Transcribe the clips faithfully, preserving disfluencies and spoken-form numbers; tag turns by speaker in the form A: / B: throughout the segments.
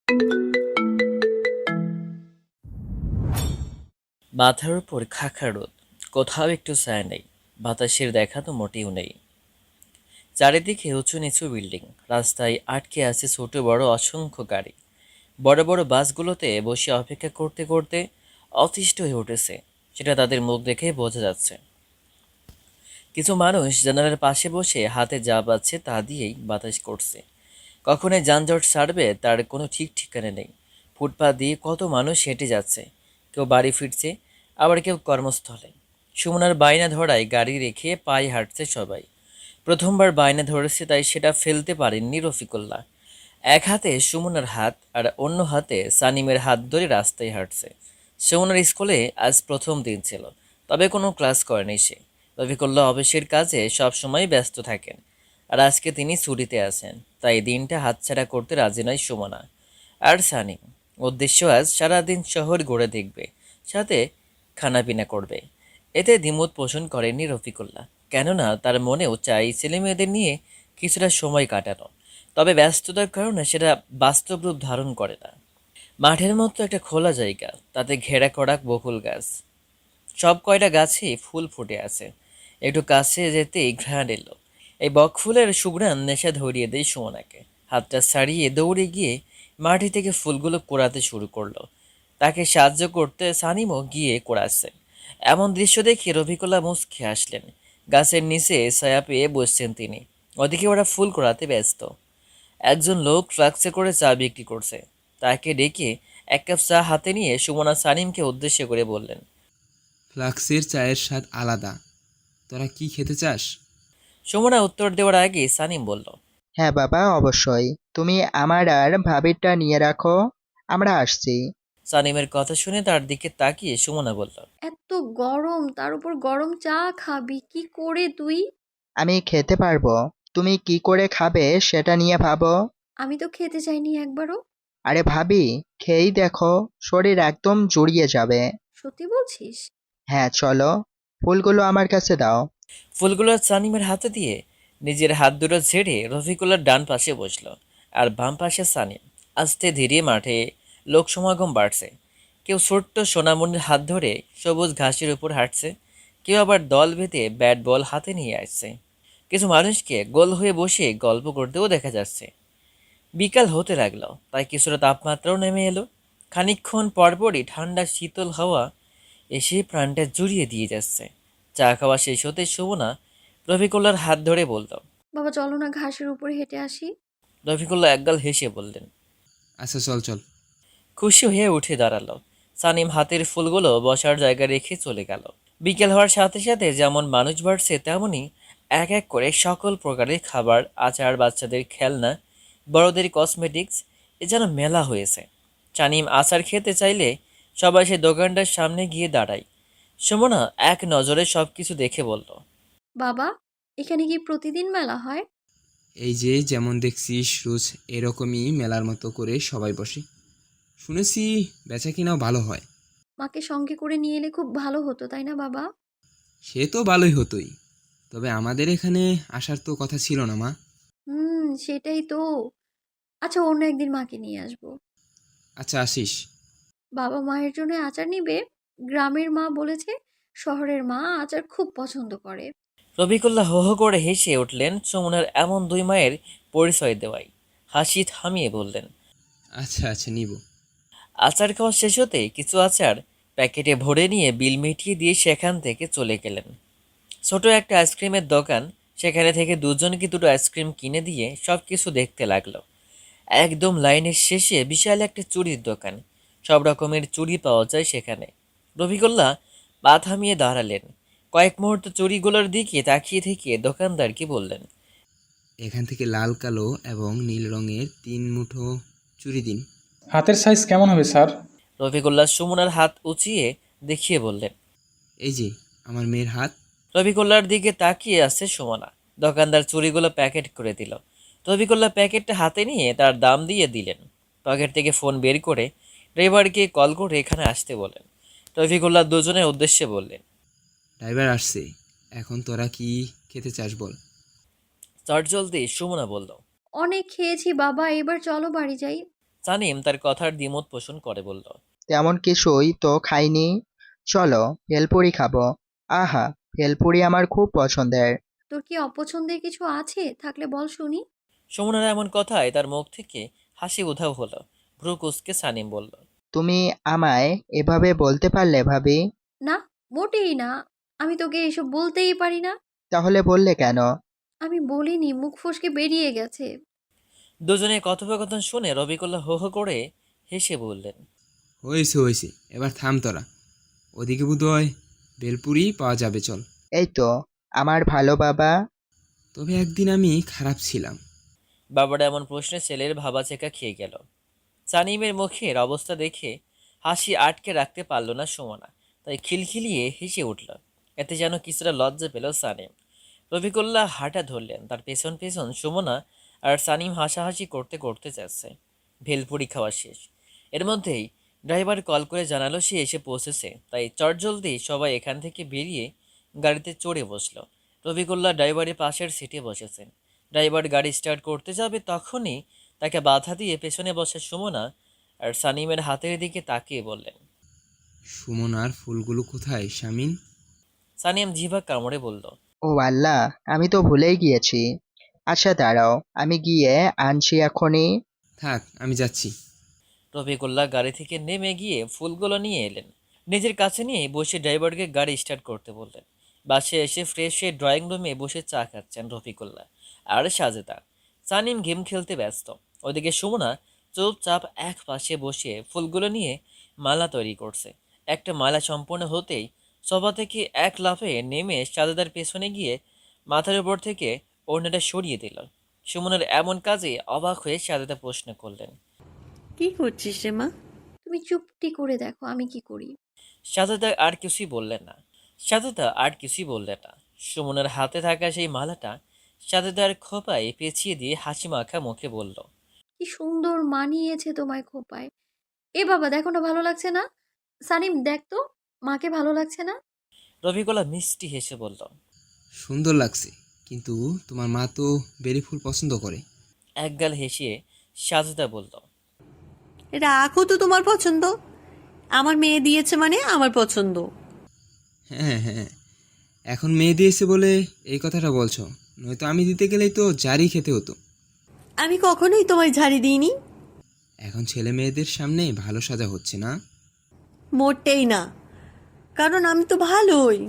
A: মাথার উপর খাখা রোদ, কোথাও একটু ছায়া নেই, বাতাসের দেখা তো মোটেও নেই। চারিদিকে উঁচু নিচু বিল্ডিং, রাস্তায় আটকে আছে ছোট বড় অসংখ্য গাড়ি। বড় বড় বাসগুলোতে বসে অপেক্ষা করতে করতে অতিষ্ঠ হয়ে উঠেছে, সেটা তাদের মুখ দেখে বোঝা যাচ্ছে। কিছু মানুষ জানালার পাশে বসে হাতে যা পাচ্ছে তা দিয়েই বাতাস করছে। কখন এই যানজট ছাড়বে তার কোনো ঠিক ঠিকানা নেই। ফুটপাত দিয়ে কত মানুষ হেঁটে যাচ্ছে, কেউ বাড়ি ফিরছে, আবার কেউ কর্মস্থলে। সুমনার বায়না ধরায় গাড়ি রেখে পায়ে হাঁটছে সবাই। প্রথমবার বায়না ধরেছে তাই সেটা ফেলতে পারেননি রফিকুল্লাহ। এক হাতে সুমনার হাত আর অন্য হাতে সানিমের হাত ধরে রাস্তায় হাঁটছে। সুমনার স্কুলে আজ প্রথম দিন ছিল, তবে কোনো ক্লাস করেনি সে। রফিকুল্লাহ অফিসের কাজে সবসময় ব্যস্ত থাকেন, আর আজকে তিনি ছুটিতে আছেন, তাই দিনটা হাতছাড়া করতে রাজি নয় সুমনা। আর সানিম উদ্দেশ্য আজ সারাদিন শহর ঘুরে দেখবে, সাথে খানাপিনা করবে। এতে দ্বিমত পোষণ করেননি রফিকুল্লাহ, কেননা তার মনেও চাই ছেলেমেয়েদের নিয়ে কিছুটা সময় কাটানো, তবে ব্যস্ততার কারণে সেটা বাস্তব রূপ ধারণ করে না। মাঠের মতো একটা খোলা জায়গা, তাতে ঘেরা করা বকুল গাছ, সব কয়টা গাছে ফুল ফুটে আছে। একটু কাছে যেতেই ঘ্রাণ এলো। এই বকফুলের সুঘ্রাণ নেশা ধরিয়ে দেয় সুমনাকে। হাতটা ছাড়িয়ে দৌড়ে গিয়ে মাটি থেকে ফুলগুলো কোড়াতে শুরু করলো। তাকে সাহায্য করতে সানিমও গিয়ে কোড়াচ্ছে। এমন দৃশ্য দেখে রফিকুল্লাহ মুচকি হাসলেন। গাছের নিচে ছায়া পেয়ে বসছেন তিনি, ওদিকে ওরা ফুল কোড়াতে ব্যস্ত। একজন লোক ট্রাক্সে করে চা বিক্রি করছে, তাকে ডেকে এক কাপ চা হাতে নিয়ে সুমনা সানিমকে উদ্দেশ্য করে বললেন,
B: ফ্লাক্সের চায়ের স্বাদ আলাদা। তোরা কি খেতে চাস?
A: সুমনা উত্তর দেওয়ার আগে সানিম বলল,
C: হ্যাঁ বাবা, অবশ্যই। তুমি আমার আর ভাবিরটা নিয়ে রাখো, আমরা আসছি।
A: সানিমের কথা শুনে তার দিকে তাকিয়ে সুমনা বলল,
D: এত গরম, তার উপর গরম চা খাবি কি করে তুই?
C: আমি খেতে পারবো, তুমি কি করে খাবে সেটা নিয়ে ভাবো।
D: আমি তো খেতে চাইনি একবারও।
C: আরে ভাবি, খেয়েই দেখো, শরীর একদম জুড়িয়ে যাবে।
D: সত্যি বলছিস?
C: হ্যাঁ চলো, ফুলগুলো আমার কাছে দাও।
A: ফুলগুলো সানিমের হাতে দিয়ে নিজের হাত দুটো ঝেড়ে রফিকুল্লার ডান পাশে বসলো, আর বাম পাশে সানিম। আস্তে ধীরে মাঠে লোক সমাগম বাড়ছে। কেউ ছোট্ট সোনামণির হাত ধরে সবুজ ঘাসের উপর হাঁটছে, কেউ আবার দল বেঁধে ব্যাট বল হাতে নিয়ে আসছে। কিছু মানুষকে গোল হয়ে বসে গল্প করতেও দেখা যাচ্ছে। বিকাল হতে লাগলো, তাই কিছুটা তাপমাত্রাও নেমে এলো। খানিকক্ষণ পরপরই ঠান্ডা শীতল হাওয়া এসে প্রাণটা জুড়িয়ে দিয়ে যাচ্ছে। চা খাওয়া শেষ হতে সুমনা রফিকুল্লার হাত ধরে বলল।
D: বাবা চলো না ঘাসের উপরে হেঁটে আসি।
A: রফিকুল্লাহ একগাল হেসে বললেন।
B: আচ্ছা, চল চল।
A: খুশি হয়ে উঠে দাঁড়ালো। সানিম হাতের ফুলগুলো বসার জায়গায় রেখে চলে গেল। বিকেল হওয়ার সাথে সাথে যেমন মানুষ বাড়ছে, তেমনি এক এক করে সকল প্রকারের খাবার, আচার, বাচ্চাদের খেলনা, বড়দের কসমেটিক্স, এ যেন মেলা হয়েছে। সানিম আচার খেতে চাইলে সবাই সে দোকানটার সামনে গিয়ে দাঁড়ায়। সুমনা এক নজরে সব কিছু দেখে বলল,
D: বাবা, এখানে কি প্রতিদিন মেলা হয়?
B: এই যে যেমন দেখছিস রোজ এরকমই মেলার মতো করে সবাই বসে। শুনেছি বেচা কিনাও ভালো হয়।
D: মাকে সঙ্গে করে নিয়ে এলে খুব ভালো হতো, তাই না বাবা?
B: সে তো ভালোই হতোই, তবে আমাদের এখানে আসার তো কথা ছিল না মা।
D: হুম, সেটাই তো। আচ্ছা, অন্য একদিন মাকে নিয়ে আসবো।
B: আচ্ছা, আসিস।
D: বাবা মায়ের জন্য আচার নিবে। গ্রামের মা বলেছে শহরের মা আচার খুব পছন্দ করে।
A: রফিকুল্লাহ হো হো করে হেসে উঠলেন সুমনার এমন দুই মায়ের পরিচয় দেওয়ায়। হাসি থামিয়ে বললেন,
B: আচ্ছা আচ্ছা, নিব।
A: আচার খাওয়া শেষ হতে কিছু আচার প্যাকেটে ভরে নিয়ে বিল মিটিয়ে দিয়ে সেখান থেকে চলে গেলেন। ছোট একটা আইসক্রিমের দোকান, সেখানে থেকে দুজনকে দুটো আইসক্রিম কিনে দিয়ে সব কিছু দেখতে লাগলো। একদম লাইনের শেষে বিশাল একটা চুড়ির দোকান, সব রকমের চুড়ি পাওয়া যায় সেখানে। রফিকুল্লাহ পা থামিয়ে দাঁড়ালেন। কয়েক মুহূর্ত চুড়িগুলোর দিকে তাকিয়ে থেকে দোকানদারকে বললেন,
B: এখান থেকে লাল, কালো এবং নীল রঙের তিন মুঠো চুরি দিন।
E: হাতের সাইজ কেমন হবে স্যার?
A: রফিকুল্লাহ সুমনার হাত উঁচিয়ে দেখিয়ে বললেন।
B: এই যে আমার মেয়ের হাত।
A: রফিকুল্লাহর দিকে তাকিয়ে আছে সুমনা। দোকানদার চুড়িগুলো প্যাকেট করে দিল। রফিকুল্লাহ প্যাকেটটা হাতে নিয়ে তার দাম দিয়ে দিলেন। পকেট থেকে ফোন বের করে ড্রাইভারকে কল করে এখানে আসতে বলেন। রফিকুল্লাহ দুজনের উদ্দেশ্যে বললেন,
B: ড্রাইভার আসছে, এখন তোরা কি খেতে চাস বল।
A: চট জলদি সুমনা বলল।
D: অনেক খেয়েছি বাবা, এবার চলো বাড়ি যাই।
A: সানিম তার কথার দ্বিমত পোষণ করে বলল,
C: তেমন কিছুই তো খাইনি। চলো ভেলপুরি খাবো। আহা, ভেলপুরি আমার খুব পছন্দের।
D: তোর কি অপছন্দের কিছু আছে? থাকলে বল শুনি।
A: সুমনার এমন কথায় তার মুখ থেকে হাসি উধাও হলো। ভ্রু কুঁচকে সানিম বলল,
C: তুমি আমায় এভাবে বলতে পারলে ভাবি?
D: না, মোটেই না। আমি তোকে এসব বলতেই পারি না।
C: তাহলে বললে কেন?
D: আমি বলিনি, মুখ ফসকে বেরিয়ে গেছে।
A: দুজনের কথোপকথন শুনে রবিকুল্লাহ হো হো করে হেসে বললেন,
B: হয়েছে হয়েছে, এবার থাম তোরা। ওদিকে বোধহয় বেলপুরি পাওয়া যাবে, চল।
C: এই তো আমার ভালো বাবা।
B: তবে একদিন আমি খারাপ ছিলাম।
A: বাবাটা এমন প্রশ্নে ছেলের ভাবাচেকা খেয়ে গেল। সানিমের মুখের অবস্থা দেখে হাসি আটকে রাখতে পারল না সুমনা, তাই খিলখিলিয়ে হেসে উঠল। এতে যেন কিছুটা লজ্জা পেল সানিম। রফিকুল্লাহ হাঁটা ধরলেন, তার পেছন পেছন সুমনা আর সানিম হাসাহাসি করতে করতে যাচ্ছে। ভেলপুরি খাওয়া শেষ। এর মধ্যেই ড্রাইভার কল করে জানালো সে এসে পৌঁছেছে, তাই চটজলদি সবাই এখান থেকে বেরিয়ে গাড়িতে চড়ে বসলো। রফিকুল্লাহ ড্রাইভারের পাশের সিটে বসেছেন। ড্রাইভার গাড়ি স্টার্ট করতে যাবে তখনই তাকে বাধা দিয়ে পেছনে বসে সুমনা আর সানিমের হাতের দিকে তাকিয়ে বললেন,
B: সুমনার ফুলগুলো কোথায় শামিন?
A: সানিম জিভা কামড়ে বলল,
C: ও আল্লাহ, আমি তো ভুলেই গিয়েছি। আচ্ছা দাঁড়াও, আমি গিয়ে আনছি এখনই।
B: থাক, আমি যাচ্ছি।
A: রফিকুল্লাহ গাড়ি থেকে নেমে গিয়ে ফুলগুলো নিয়ে এলেন। নিজের কাছে নিয়ে বসে ড্রাইভারকে গাড়ি স্টার্ট করতে বললেন। বাসে এসে ফ্রেশ হয়ে ড্রয়িং রুমে বসে চা খাচ্ছেন রফিকুল্লাহ আর সাজেদা। সানিম গেম খেলতে ব্যস্ত। ওদিকে সুমনা চুপচাপ এক পাশে বসে ফুলগুলো নিয়ে মালা তৈরি করছে। একটা মালা সম্পূর্ণ হতেই সোফা থেকে এক লাফে নেমে সাজেদার পেছনে গিয়ে মাথার উপর থেকে ওড়নাটা সরিয়ে দিল। সুমনের এমন কাজে অবাক হয়ে সাজেদা প্রশ্ন করলেন,
F: কি করছিস রে মা?
D: তুমি চুপটি করে দেখো আমি কি করি।
A: সাজেদা আর কিছুই বললেন না। সাজেদা আর কিছুই বললেন না। সুমনের হাতে থাকা সেই মালাটা সাজেদার খোপায় পেঁচিয়ে দিয়ে হাসি মাখা মুখে বলল,
D: কি সুন্দর মানিয়েছে তোমায় খোপায়। এ বাবা, দেখো না, ভালো লাগছে না? সানিম দেখ তো, মাকে ভালো লাগছে না?
A: রফিকুল্লাহ মিষ্টি হেসে বলল,
B: সুন্দর লাগছে, কিন্তু তোমার মা তো বেলি ফুল পছন্দ করে।
A: একগাল হেসে সাজেদা বলল,
F: রাখো তো তোমার পছন্দ। আমার মেয়ে দিয়েছে মানে আমার পছন্দ।
B: হ্যাঁ হ্যাঁ, এখন মেয়ে দিয়েছে বলে এই কথাটা বলছো, নয়তো আমি দিতে গেলেই তো জারি খেতে হতো।
F: আমি কখনোই তোমায় ঝাড়ি দিইনি।
B: এখন ছেলে মেয়েদের সামনে ভালো সাজা হচ্ছে না।
F: মোটেই না, কারণ আমি তো ভালোই।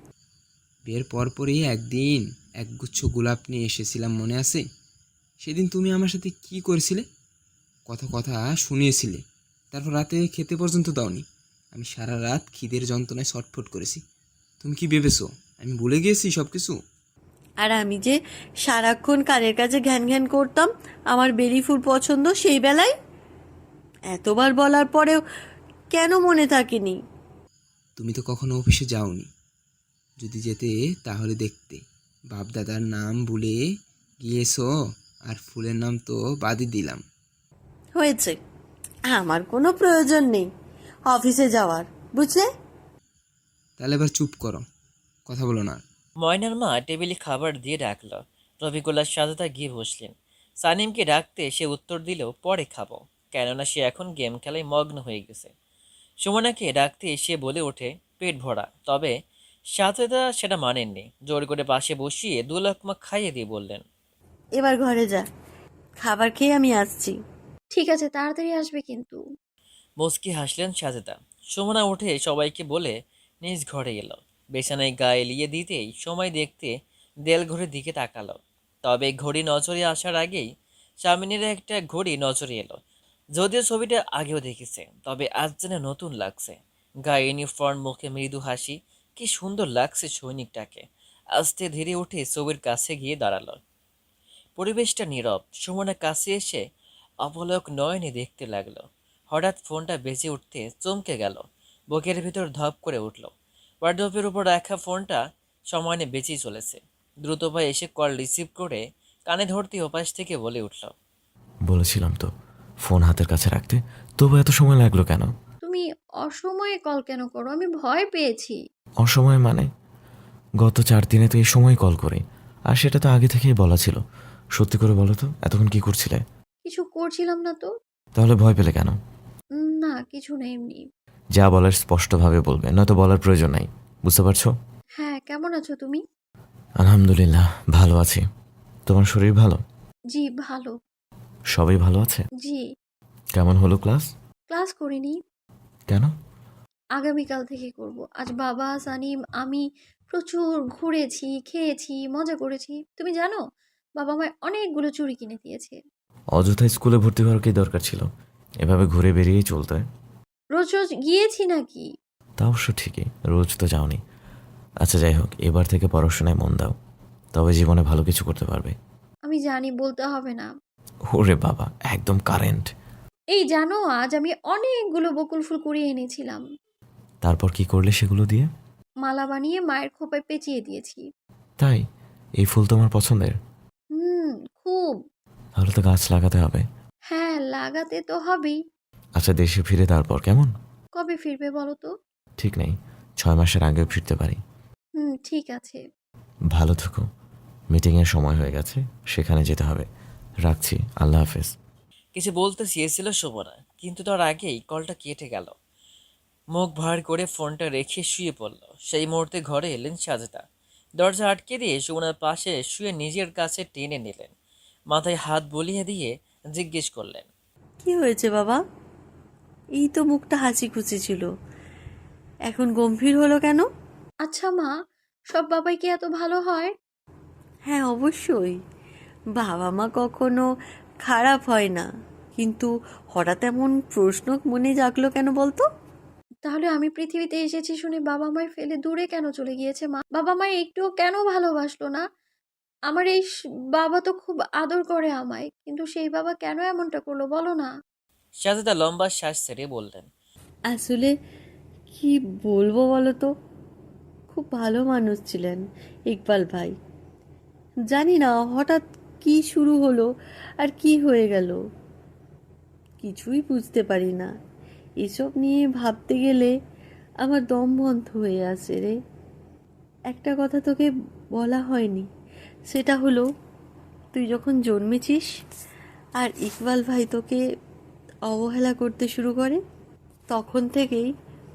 B: বিয়ের পরপরই একদিন একগুচ্ছ গোলাপ নিয়ে এসেছিলাম, মনে আছে? সেদিন তুমি আমার সাথে কি করেছিলে? কথা কথা শুনিয়েছিলে, তারপর রাতে খেতে পর্যন্ত দাওনি। আমি সারা রাত খিদের যন্ত্রণায় ছটফট করেছি। তুমি কি ভেবেছো আমি ভুলে গিয়েছি সব কিছু?
F: আর আমি যে সারাক্ষণ কানের কাছে ঘ্যান ঘ্যান করতাম আমার বেলি ফুল পছন্দ, সেই বেলায় এতবার বলার পরেও কেন মনে থাকেনি?
B: তুমি তো কখনো অফিসে যাওনি, যদি যেতে তাহলে দেখতে। বাপদাদার নাম ভুলে গিয়েছো, আর ফুলের নাম তো বাদই দিলাম।
F: হয়েছে, আমার কোনো প্রয়োজন নেই অফিসে যাওয়ার, বুঝলে?
B: তাহলে এবার চুপ করো, কথা বলো না।
A: ময়নার মা টেবিলে খাবার দিয়ে ডাকল। রফিকুল্লাহ সাজেদা গিয়ে বসলেন। সানিমকে ডাকতে সে উত্তর দিল, পরে খাবো, কেননা সে এখন গেম খেলায় মগ্ন হয়ে গেছে। সুমনাকে ডাকতে সে বলে ওঠে, পেট ভরা। তবে সাজেদা সেটা মানেননি। জোর করে পাশে বসিয়ে দু লাকমা খাইয়ে দিয়ে বললেন,
F: এবার ঘরে যা, খাবার খেয়ে আমি আসছি।
D: ঠিক আছে, তাড়াতাড়ি আসবে কিন্তু।
A: মুচকি হাসলেন সাজেদা। সুমনা উঠে সবাইকে বলে নিজ ঘরে এলো। বিছানায় গা এলিয়ে দিতেই সময় দেখতে দেয়াল ঘড়ির দিকে তাকালো। তবে ঘড়ি নজরে আসার আগেই সামিনের একটা ঘড়ি নজরে এলো। যদিও ছবিটা আগেও দেখেছে, তবে আজ যেন নতুন লাগছে। গায়ে ইউনিফর্ম, মুখে মৃদু হাসি, কি সুন্দর লাগছে সৈনিকটাকে। আস্তে ধীরে উঠে ছবির কাছে গিয়ে দাঁড়ালো। পরিবেশটা নীরব। সুমনা কাছে এসে অপলক নয়নে দেখতে লাগলো। হঠাৎ ফোনটা বেজে উঠতে চমকে গেল। বুকের ভিতর ধপ করে উঠল। ওয়ার্ড্রোপের উপর রাখা ফোনটা সমানে বেঁচেই চলেছে। দ্রুত পায়ে এসে কল রিসিভ করে কানে ধরতে ওপাশ থেকে বলে উঠল,
G: বলেছিলাম তো ফোন হাতের কাছে রাখতে, তবু এত সময় লাগলো কেন?
D: তুমি অসময়ে কল কেন করো? আমি ভয় পেয়েছি।
G: অসময় মানে? গত চার দিনে তো এই সময় কল করি, আর সেটা তো আগে থেকেই বলা ছিল। সত্যি করে বলো তো, এতক্ষণ কি করছিলে?
D: কিছু করছিলাম না তো।
G: তাহলে ভয় পেলে কেন?
D: উম, না কিছু না, এমনি।
G: যা বলার স্পষ্টভাবে বলবে, নয়তো বলার প্রয়োজন নাই। বুঝতে পারছো?
D: হ্যাঁ, কেমন আছো তুমি?
G: আলহামদুলিল্লাহ ভালো আছি। তোমার শরীর ভালো?
D: জি ভালো।
G: সবাই ভালো আছে?
D: জি।
G: কেমন হলো ক্লাস?
D: ক্লাস করিনি,
G: কেন?
D: আগামীকাল থেকে করব। আজ বাবা, সানিম, আমি প্রচুর ঘুরেছি, খেয়েছি, মজা করেছি। তুমি জানো, বাবা আমায় অনেকগুলো চুড়ি কিনে দিয়েছে।
G: অযথা স্কুলে ভর্তি হওয়ার কি দরকার ছিল? এভাবে ঘুরে বেরিয়েই চলতে।
D: রোজ রোজ গিয়েছি নাকি?
G: তা অবশ্য ঠিকই, রোজ তো যাওনি। আচ্ছা যাই হোক, এবার থেকে পড়াশোনায় মন দাও, তবে জীবনে ভালো কিছু করতে পারবে।
D: আমি জানি, বলতে হবে না।
G: ওরে বাবা, একদম কারেন্ট।
D: এই জানো, আজ আমি অনেকগুলো বকুল ফুল কুড়িয়ে এনেছিলাম।
G: তারপর কি করলে সেগুলো দিয়ে?
D: মালা বানিয়ে মায়ের খোপায় পেঁচিয়ে দিয়েছি।
G: তাই? এই ফুল তোমার পছন্দের?
D: হুম, খুব।
G: তাহলে তো গাছ লাগাতে হবে।
D: হ্যাঁ, লাগাতে তো হবেই।
G: আচ্ছা দেশে ফিরে তারপর কেমন?
D: কবে ফিরবে বলো তো?
G: ঠিক নেই, ছয় মাসের আগেও ফিরতে পারি।
D: হুম, ঠিক আছে।
G: ভালো থেকো। মিটিংয়ের সময় হয়ে গেছে, সেখানে যেতে হবে। রাখছি, আল্লাহ হাফেজ।
A: কিছু বলতে চেয়েছিল সুমনা, কিন্তু তার আগেই কলটা কেটে গেল। মুখ ভার করে ফোনটা রেখে শুয়ে পড়ল। সেই মুহূর্তে ঘরে এলেন সাজেদা। দরজা আটকে দিয়ে সুমনার পাশে শুয়ে নিজের কাছে টেনে নিলেন। মাথায় হাত বুলিয়ে দিয়ে জিজ্ঞেস করলেন,
F: কি হয়েছে বাবা? এই তো মুখটা হাসি খুশি ছিল, এখন গম্ভীর হলো কেন?
D: আচ্ছা মা, সব বাবাই কি এত ভালো হয়?
F: হ্যাঁ অবশ্যই, বাবা মা কখনো খারাপ হয় না, কিন্তু হঠাৎ এমন প্রশ্ন মনে জাগলো কেন বলতো?
D: তাহলে আমি পৃথিবীতে এসেছি শুনে বাবা মায় ফেলে দূরে কেন চলে গিয়েছে মা? বাবা মায় একটুও কেন ভালোবাসলো না? আমার এই স- বাবা তো খুব আদর করে আমায়, কিন্তু সেই বাবা কেন এমনটা করলো বলো না?
A: সাজেদা লম্বা শ্বাস ছেড়ে বললেন,
F: আসলে কি বলবো বলো তো, খুব ভালো মানুষ ছিলেন ইকবাল ভাই। জানি না হঠাৎ কি শুরু হলো আর কি হয়ে গেল, কিছুই বুঝতে পারি না। এসব নিয়ে ভাবতে গেলে আমার দম বন্ধ হয়ে আসে রে। একটা কথা তোকে বলা হয়নি, সেটা হলো তুই যখন জন্মেছিস আর ইকবাল ভাই তোকে অবহেলা করতে শুরু করে, তখন থেকেই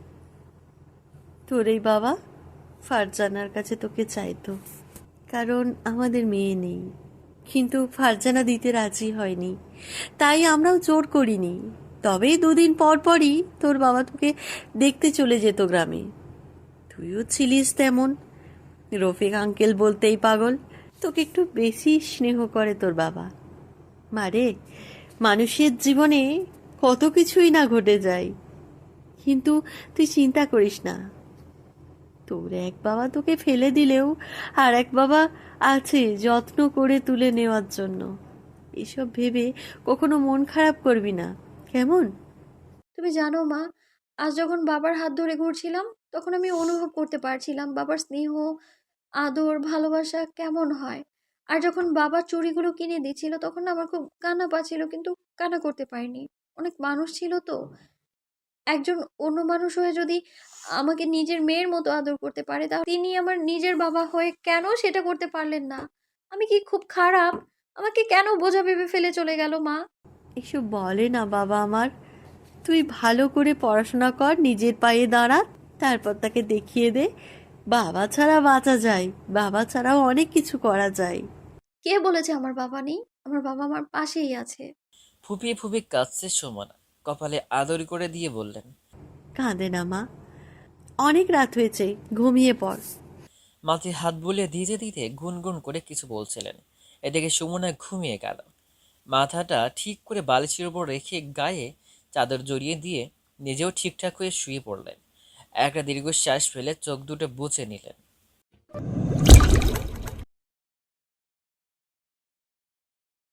F: তোর এই বাবা ফারজানার কাছে তোকে চাইতো, কারণ আমাদের মেয়ে নেই। কিন্তু ফারজানা দিতে রাজি হয়নি, তাই আমরাও জোর করিনি। তবেই দুদিন পর পরই তোর বাবা তোকে দেখতে চলে যেত গ্রামে। তুইও ছিলিস তেমন, রফিক আঙ্কেল বলতেই পাগল। তোকে একটু বেশি স্নেহ করে তোর বাবা। মারে, মানুষের জীবনে কত কিছুই না ঘটে যায়, কিন্তু তুই চিন্তা করিস না, তোর এক বাবা তোকে ফেলে দিলেও আর এক বাবা আছে যত্ন করে তুলে নেওয়ার জন্য। এসব ভেবে কখনো মন খারাপ করবি না, কেমন?
D: তুমি জানো মা, আজ যখন বাবার হাত ধরে ঘুরছিলাম, তখন আমি অনুভব করতে পারছিলাম বাবার স্নেহ, আদর, ভালোবাসা কেমন হয়। আর যখন বাবা চুড়িগুলো কিনে দিচ্ছিল, তখন না আমার খুব কান্না পাচ্ছিল, কিন্তু কান্না করতে পারিনি। অনেক মানুষ ছিল তো, একজন অন্য মানুষ হয়ে যদি আমাকে নিজের মেয়ের মতো আদর করতে পারে, তাহলে তিনি আমার নিজের বাবা হয়ে কেন সেটা করতে পারলেন না? আমি কি খুব খারাপ? আমাকে কেন বোঝা ভেবে ফেলে চলে গেল মা?
F: এসব বলে না বাবা আমার। তুই ভালো করে পড়াশোনা কর, নিজের পায়ে দাঁড়া, তারপর তাকে দেখিয়ে দে বাবা ছাড়া বাঁচা যায়, বাবা ছাড়াও অনেক কিছু করা যায়।
D: কে বলেছে আমার বাবা নেই? আমার বাবা আমার পাশেই আছে।
A: ফুপিয়ে ফুপিয়ে কাঁদছে সুমনা। কপালে আদর করে দিয়ে বললেন,
F: কাঁদে না মা, অনেক রাত হয়েছে, ঘুমিয়ে পড়।
A: মাথায় হাত বুলিয়ে দিতে দিতে গুনগুন করে কিছু বলছিলেন। এদিকে সুমনা ঘুমিয়ে গেল। মাথাটা ঠিক করে বালিশের উপর রেখে গায়ে চাদর জড়িয়ে দিয়ে নিজেও ঠিকঠাক হয়ে শুয়ে পড়লেন। একটা দীর্ঘশ্বাস ফেলে চোখ দুটো বুজে নিলেন।